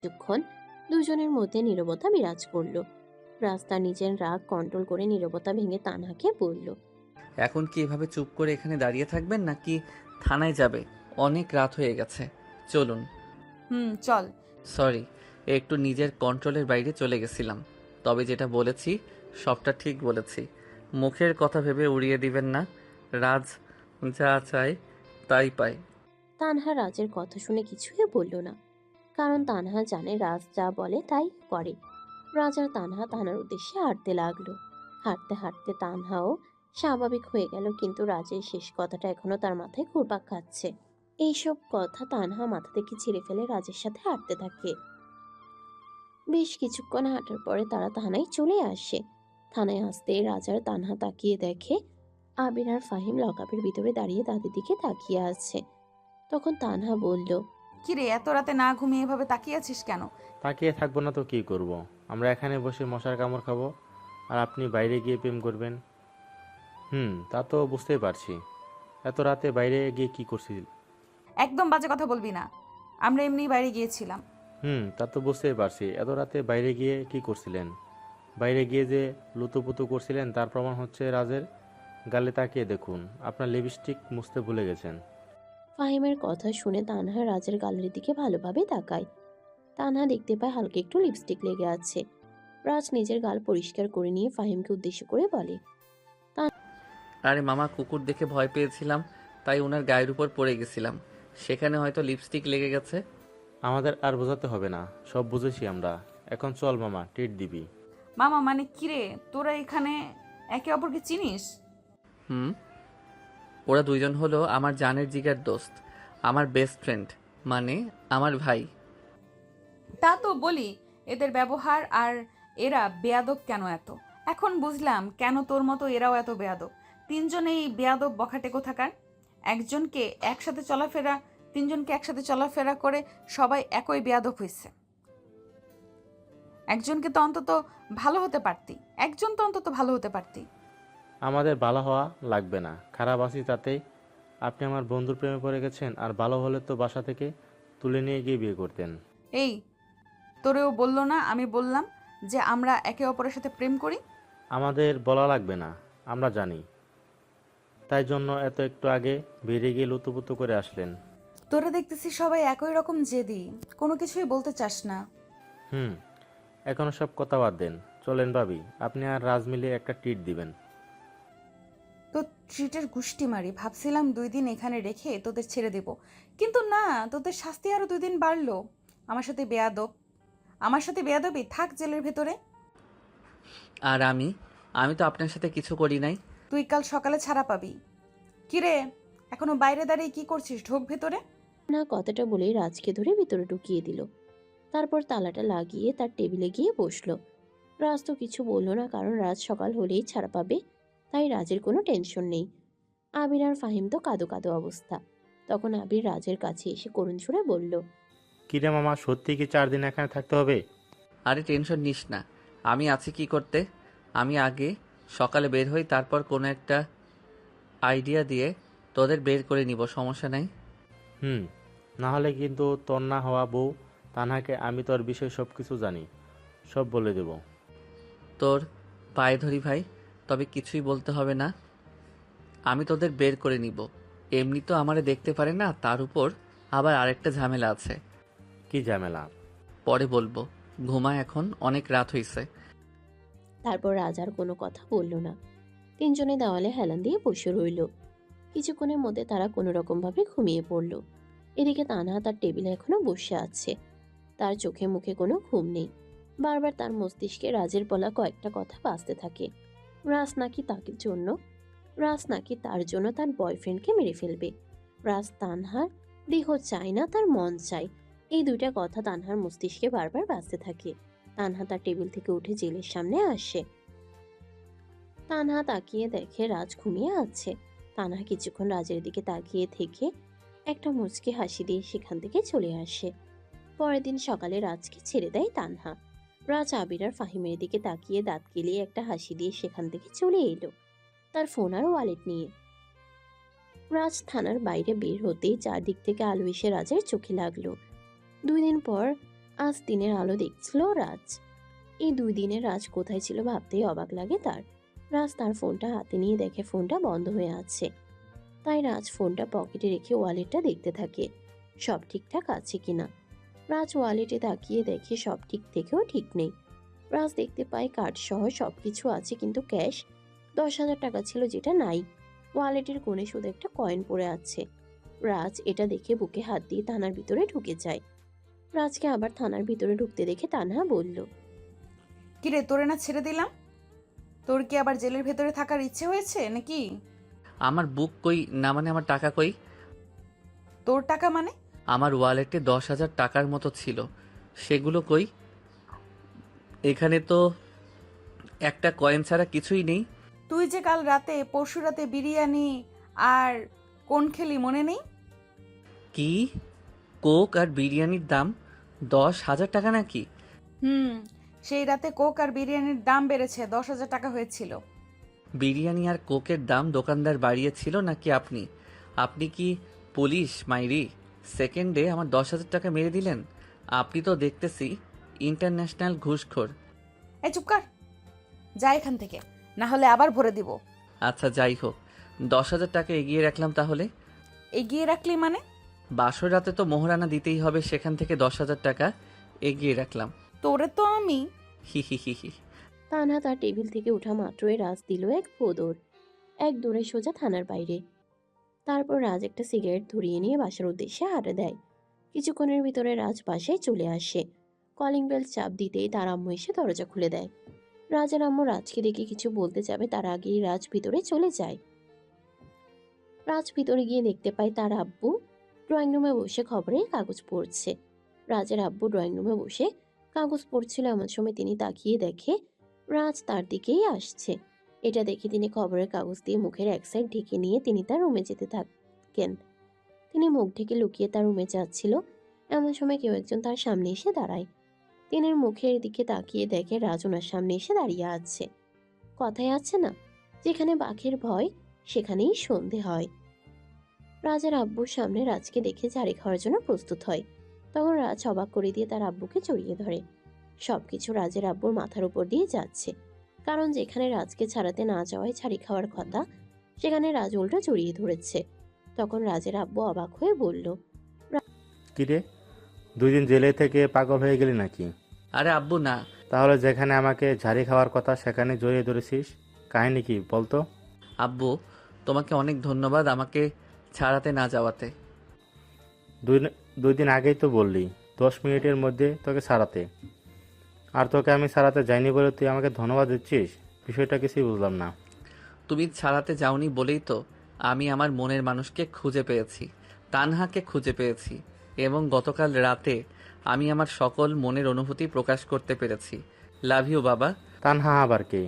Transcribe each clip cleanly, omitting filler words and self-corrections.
কিছুক্ষণ দুজনের মধ্যে নীরবতা বিরাজ করলো। রাস্তা নিজের রাগ কন্ট্রোল করে নীরবতা ভেঙে তানহাকে বলল, এখন কি এভাবে চুপ করে এখানে দাঁড়িয়ে থাকবেন নাকি থানায় যাবে? অনেক রাত হয়ে গেছে, চলুন। হুম, চল। সরি, একটু নিজের কন্ট্রোলের বাইরে চলে গেছিলাম। তবে যেটা বলেছি সবটা ঠিক বলেছি। মুখের কথা ভেবে উড়িয়ে দিবেন না। রাজ যা চায় তাই পায়। তানহা রাজের কথা শুনে কিছুই বলল না, কারণ তানহা জানে রাজ যা বলে তাই করে। রাজ আর তানহা তানার উদ্দেশ্যে হাঁটতে লাগলো। হাঁটতে হাঁটতে তানহাও স্বাভাবিক হয়ে গেল, কিন্তু রাজের শেষ কথাটা এখনো তার মাথায় ঘুরপাক খাচ্ছে। এইসব কথা তানহা মাথা থেকে ছিঁড়ে ফেলে রাজের সাথে হাঁটতে থাকে। বেশ কিছুক্ষণ হাঁটার পরে তারা থানায় চলে আসে। থানায় আসতে রাজ আর তানহা তাকিয়ে দেখে আবির আর ফাহিম লকআপের ভিতরে দাঁড়িয়ে তাদের দিকে তাকিয়ে আছে। তখন তানহা বলল, কিরে, এত রাতে না ঘুমিয়ে এভাবে তাকিয়ে আছিস কেন? তাকিয়ে থাকবো না তো কি করব। আমরা এখানে বসে মশার কামড় খাবো আর আপনি বাইরে গিয়ে প্রেম করবেন। তা তো বুঝতেই পারছি। এত রাতে বাইরে গিয়ে কি করছিল? একদম বাজে কথা বলবি না। আমরা এমনি বাইরে গিয়েছিলাম। তা তো বুঝতেই পারছি। এত রাতে বাইরে গিয়ে কি করছিলেন? বাইরে গিয়ে যে লুতুপুতু করছিলেন তার প্রমাণ হচ্ছে রাজের গালে তাকিয়ে দেখুন, আপনার লিপস্টিক মুছতে ভুলে গেছেন। ফাহিমের কথা শুনে তানহা রাজের গালের দিকে ভালোভাবে তাকায়। তানহা দেখতে পায় হালকা একটু লিপস্টিক লেগে আছে। রাজ নিজের গাল পরিষ্কার করে নিয়ে ফাহিমকে উদ্দেশ্য করে বলে, আরে মামা, কুকুর দেখে ভয় পেয়েছিলাম, তাই ওনার গায়ের উপর পড়ে গেছিলাম। সেখানে হয়তো লিপস্টিক লেগে গেছে। আমাদের আর বোঝাতে হবে না, সব বুঝেছি আমরা। এখন চল মামা, ট্রিট দিবি। মামা মানে কিরে, তোরা এখানে একে অপরকে চিনিস? হুম, ওরা দুইজন হলো আমার জানের জিগার দোস্ত, আমার বেস্ট ফ্রেন্ড, মানে আমার ভাই। তা তো বলি, এদের ব্যবহার আর এরা বেয়াদব কেন এত। এখন বুঝলাম কেন তোর মতো এরাও এত বেয়াদব। তিনজনেই বেয়াদব বখাটে কোথাকার। একজনকে একসাথে চলাফেরা তিনজনকে একসাথে চলাফেরা করে সবাই একই বেয়াদব হয়েছে। একজনকে তো অন্তত ভালো হতে পারতি। একজন তো অন্তত ভালো হতে পারতি। আমাদের ভালো হওয়া লাগবে না, খারাপ আছি তাতেই। আপনি আমার বন্ধুর প্রেমে পড়ে গেছেন, আর ভালো হলে তো বাসা থেকে তুলে নিয়ে গিয়ে বিয়ে করতেন। এই, তোরেও বললো না আমি বললাম যে আমরা একে অপরের সাথে প্রেম করি? আমাদের বলা লাগবে না, আমরা জানি। তাই জন্য এত একটু আগে বেরিয়ে গিয়ে লুতুপুতু করে আসলেন। তোরা দেখতেছি সবাই একই রকম জেদি, কোনো কিছুই বলতে চাস না। হুম এখনো সব কথা বাদ দেন, চলেন ভাবি, আপনি আর রাজ মিলে একটা ট্রিট দিবেন। তো ট্রিটের গুষ্টি মারি, ভাবছিলাম 2 দিন এখানে রেখে তোদের ছেড়ে দেব, কিন্তু না, তোদের শাস্তি আরো 2 দিন বাড়লো। আমার সাথে বেয়াদব, আমার সাথে বেয়াদবি, থাক জেলের ভেতরে। আর আমি আমি তো আপনার সাথে কিছু করি নাই। তুই কাল সকালে ছাড়া পাবি। কিরে, এখনো বাইরে দাঁড়িয়ে কি করছিস? ঢোক ভেতরে। না কথাটা বলেই রাজকে ধরে ভিতরে ঢুকিয়ে দিল। তারপর তালাটা লাগিয়ে তার টেবিলে গিয়ে বসলো। রাজ তো কিছু বলল না, কারণ রাজ সকাল হলেই ছাড়া পাবে, তাই রাজের কোনো টেনশন নেই। আবির আর ফাহিম তো কাঁদো কাঁদো অবস্থা। তখন আবির রাজের কাছে এসে করুণ সুরে বলল, কিরে মামা, সত্যি কি 4 দিন এখানে থাকতে হবে? আরে টেনশন নিস না, আমি আছি কি করতে। আমি আগে সকালে বের হই, তারপর কোনো একটা আইডিয়া দিয়ে তোদের বের করে নিব, সমস্যা নাই। হুম না হলে কিন্তু তোর না হওয়া বউ তানহাকে আমি তোর বিষয়ে সব কিছু জানি, সব বলে দেব। তোর পায়ে ধরি ভাই, তবে কিছুই বলতে হবে না, আমি তোদের বের করে নিব। এমনি তো আমারে দেখতে পারে না, তার উপর আবার আরেকটা ঝামেলা আছে। কি ঝামেলা? পরে বলবো, ঘুমা এখন, অনেক রাত হইছে। তারপর রাজ আর কোনো কথা বলল না। তিনজনে দেওয়ালে হেলান দিয়ে বসে রইল। কিছুক্ষণের মধ্যে তারা কোনো রকম ভাবে ঘুমিয়ে পড়ল। এদিকে তানহা তার টেবিলে এখনো বসে আছে। তার চোখে মুখে কোনো ঘুম নেই। বারবার তার মস্তিষ্কে রাজের বলা কয়েকটা কথা বাজতে থাকে। রাজ নাকি তাকে জন্য রাজ নাকি তার জন্য তার বয়ফ্রেন্ডকে মেরে ফেলবে। রাজ তানহার দেহ চায় না, তার মন চায়। এই দুইটা কথা তানহার মস্তিষ্কে বারবার বাজতে থাকে। তানহা তার টেবিল থেকে উঠে জেলের সামনে আসে। তানহা তাকিয়ে দেখে রাজ ঘুমিয়ে আছে। তানহা কিছুক্ষণ রাজের দিকে তাকিয়ে থেকে একটা মুচকি হাসি দিয়ে সেখান থেকে চলে আসে। পরের দিন সকালে রাজকে ছেড়ে দেয় তানহা। রাজ আবির আর ফাহিমের দিকে তাকিয়ে দাঁত কেলিয়ে একটা হাসি দিয়ে সেখান থেকে চলে এলো, তার ফোন আর ওয়ালেট নিয়ে। রাজ থানার বাইরে বের হতেই চারদিক থেকে আলো এসে রাজের চোখে লাগলো। 2 দিন পর আজ দিনের আলো দেখছিল রাজ। এই 2 দিনে রাজ কোথায় ছিল ভাবতেই অবাক লাগে তার। রাজ তার ফোনটা হাতে নিয়ে দেখে ফোনটা বন্ধ হয়ে আছে। তাই রাজ ফোনটা পকেটে রেখে ওয়ালেটটা দেখতে থাকে সব ঠিকঠাক আছে কিনা। রাজ ওয়ালেটে তাকিয়ে দেখে সব ঠিক থেকেও ঠিক নেই। রাজ দেখতে পায় কার্ড সহ সবকিছু আছে, কিন্তু ক্যাশ 10,000 টাকা ছিল যেটা নাই। ওয়ালেটের কোণে শুধু একটা কয়েন পড়ে আছে। রাজ এটা দেখে বুকে হাত দিয়ে থানার ভিতরে ঢুকে যায়। রাজকে আবার থানার ভিতরে ঢুকতে দেখে তানহা বলল, কিরে, তোরে না ছেড়ে দিলাম? তোর কি আবার জেলের ভেতরে থাকার ইচ্ছে হয়েছে নাকি? আমার বুক কই, না মানে আমার টাকা কই? তোর টাকা মানে? আমার ওয়ালেটে 10,000 টাকার মতো ছিল, সেগুলো কই? এখানে তো একটা কয়েন ছাড়া কিছুই নেই। তুই যে কাল রাতে, পরশু রাতে বিরিয়ানি আর কোন খেলি মনে নেই? কি? কোক আর বিরিয়ানির দাম 10,000 টাকা নাকি? সেই রাতে কোক আর বিরিয়ানির দাম বেড়েছে, 10,000 টাকা হয়েছিল। বিরিয়ানি আর কোকের দাম দোকানদার বাড়িয়েছিল নাকি আপনি? আপনি কি পুলিশ মাইরি? সেকেন্ডে আমার 10,000 টাকা মেরে দিলেন। আপনি তো দেখতেছি ইন্টারন্যাশনাল ঘুষখোর। এই চুপ কর, যা এখান থেকে, না হলে আবার ভরে দিব। আচ্ছা যাই হোক, 10,000 টাকা এগিয়ে রাখলাম তাহলে। এগিয়ে রাখলি মানে? বাসর রাতে তো মোহরানা দিতেই হবে, সেখান থেকে 10,000 টাকা এগিয়ে রাখলাম। তোরে তো আমি। হি হি হি হি। তানহা তার টেবিল থেকে ওঠা মাত্রই রাজ দিল এক ফোঁদর। এক দৌড়ে সোজা থানার বাইরে। তারপর রাজ একটা সিগারেট ধরিয়ে নিয়ে বাসার উদ্দেশ্যে হাঁটা দেয়। কিছুক্ষণের ভিতরে রাজ বাসায় চলে আসে। কলিং বেল চাপ দিতেই তার আম্মু এসে দরজা খুলে দেয়। রাজের আম্মু রাজকে দেখে কিছু বলতে যাবে তার আগেই রাজ ভিতরে চলে যায়। রাজ ভিতরে গিয়ে দেখতে পায় তার আব্বু ড্রয়িং রুমে বসে খবরের কাগজ পড়ছে। রাজের আব্বু ড্রয়িং রুমে বসে কাগজ পড়ছিল, এমন সময় তিনি তাকিয়ে দেখে রাজ তার দিকেই আসছে। এটা দেখে তিনি খবরের কাগজ দিয়ে মুখের এক সাইড ঢেকে নিয়ে তিনি তার রুমে যেতে থাকেন। তিনি মুখ ঢেকে লুকিয়ে তার রুমে যাচ্ছিল, এমন সময় কেউ একজন তার সামনে এসে দাঁড়ায়। তিনি মুখের দিকে তাকিয়ে দেখে রাজ ওনার সামনে এসে দাঁড়িয়ে আছে। কথায় আছে না, যেখানে বাঘের ভয় সেখানেই সন্ধে হয়। রাজের আব্বুর সামনে রাজকে দেখে ঝাড়ি খাওয়ার জন্য প্রস্তুত হয়। তখন রাজ অবাক করে দিয়ে তার আব্বুকে জড়িয়ে ধরে। সবকিছু রাজের আব্বুর মাথার উপর দিয়ে যাচ্ছে, কারণ যেখানে রাজকে ছাড়াতে না যাওয়ায় ছাড়ি খাওয়ার কথা, সেখানে রাজ উল্টো জড়িয়ে ধরেছে। তখন রাজের আব্বু অবাক হয়ে বলল, কিরে, 2 দিন জেলে থেকে পাগল হয়ে গেলি নাকি? আরে আব্বু না। তাহলে যেখানে আমাকে ঝাড়ি খাওয়ার কথা সেখানে জড়িয়ে ধরেছিস, কাহিনী কি বলতো? আব্বু, তোমাকে অনেক ধন্যবাদ আমাকে ছাড়াতে না যাওয়াতে। 2 দিন আগেই তো বললি 10 মিনিটের মধ্যে তোকে ছাড়াতে, আর তোকে আমি ছাড়াতে যাইনি বলে তুই আমাকে ধন্যবাদ দিচ্ছিস? বিষয়টা কিছুই বুঝলাম না। তুমি ছাড়াতে যাওনি বলেই তো আমি আমার মনের মানুষকে খুঁজে পেয়েছি, তানহাকে খুঁজে পেয়েছি, এবং গতকাল রাতে আমি আমার সকল মনের অনুভূতি প্রকাশ করতে পেরেছি। লাভ ইউ বাবা। তানহা আবার কে?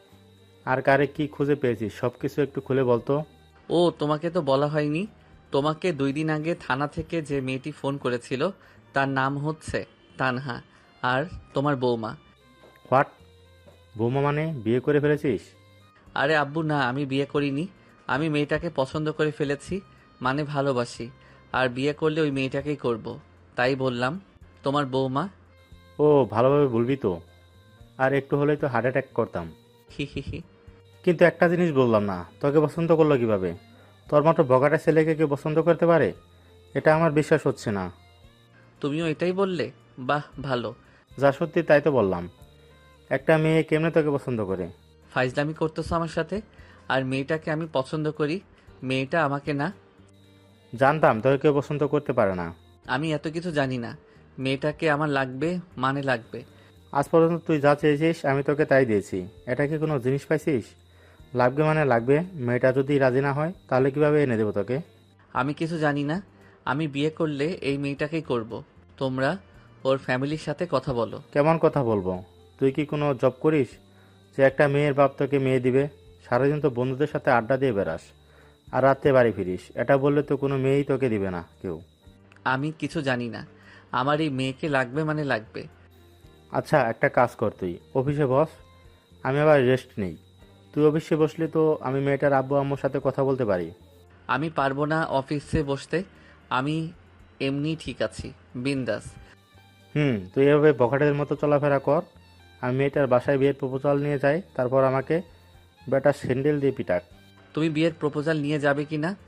আর কারে কি খুঁজে পেয়েছিস সব কিছু একটু খুলে বলতো। ও তোমাকে তো বলা হয়নি। তোমাকে 2 দিন আগে থানা থেকে যে মেয়েটি ফোন করেছিল তার নাম হচ্ছে তানহা, আর তোমার বৌমা। হোয়াট? বৌমা মানে বিয়ে করে ফেলেছিস? আরে আব্বু না, আমি বিয়ে করিনি। আমি মেয়েটাকে পছন্দ করে ফেলেছি, মানে ভালোবাসি, আর বিয়ে করলে ওই মেয়েটাকেই করব। তাই বললাম তোমার বৌমা। ও ভালোভাবে বলবি তো, আর একটু হলেই তো হার্ট অ্যাটাক করতাম। হি হি হি। কিন্তু একটা জিনিস বললাম না, তোকে পছন্দ করলো কিভাবে? তোর মতো বগাটা ছেলেকে কেউ পছন্দ করতে পারে? এটা আমার বিশ্বাস হচ্ছে না। তুমিও এটাই বললে? বাহ ভালো। যা সত্যি তাই তো বললাম। একটা মেয়ে কেমনে তোকে পছন্দ করে? ফাইজলামি করতেছো আমার সাথে? আর মেয়েটাকে আমি পছন্দ করি, মেয়েটা আমাকে না। জানতাম তোকে কেউ পছন্দ করতে পারে না। আমি এত কিছু জানি না। মেয়েটাকে আমার লাগবে, মানে লাগবে। আজ পর্যন্ত তুই যা চেয়েছিস আমি তোকে তাই দিয়েছি। এটা কি কোনো জিনিস পাইছিস? লাগবে মানে লাগবে। মেয়েটা যদি রাজি না হয় তাহলে কিভাবে এনে দেবো তোকে? আমি কিছু জানি না। আমি বিয়ে করলে এই মেয়েটাকেই করব। তোমরা ওর ফ্যামিলির সাথে কথা বলো। কেমন কথা বলবো? তুই কি কোনো জব করিস যে একটা মেয়ের বাপ তোকে মেয়ে দিবে? সারাদিন তো বন্ধুদের সাথে আড্ডা দিয়ে বেড়াস, আর রাতে বাড়ি ফিরিস। এটা বললে তো কোনো মেয়েই তোকে দিবে না কেউ। আমি কিছু জানি না। আমার এই মেয়েকে লাগবে মানে লাগবে। আচ্ছা একটা কাজ কর, তুই অফিসে বস, আমি আবার রেস্ট নেই। তুই অফিসে বসলে তো আমি মেয়েটার আব্বু আম্মুর সাথে কথা বলতে পারি। আমি পারবো না অফিসে বসতে। আমি এমনি ঠিক আছি, বিন্দাস। তুই এভাবে বখাটের মতো চলাফেরা কর। আমি মেয়েটার বাসায় বিয়ের প্রপোজাল নিয়ে যাই, তারপর আমাকে বেটা স্যান্ডেল দিয়ে পিটাক। তুমি বিয়ের প্রপোজাল নিয়ে যাবে কি না?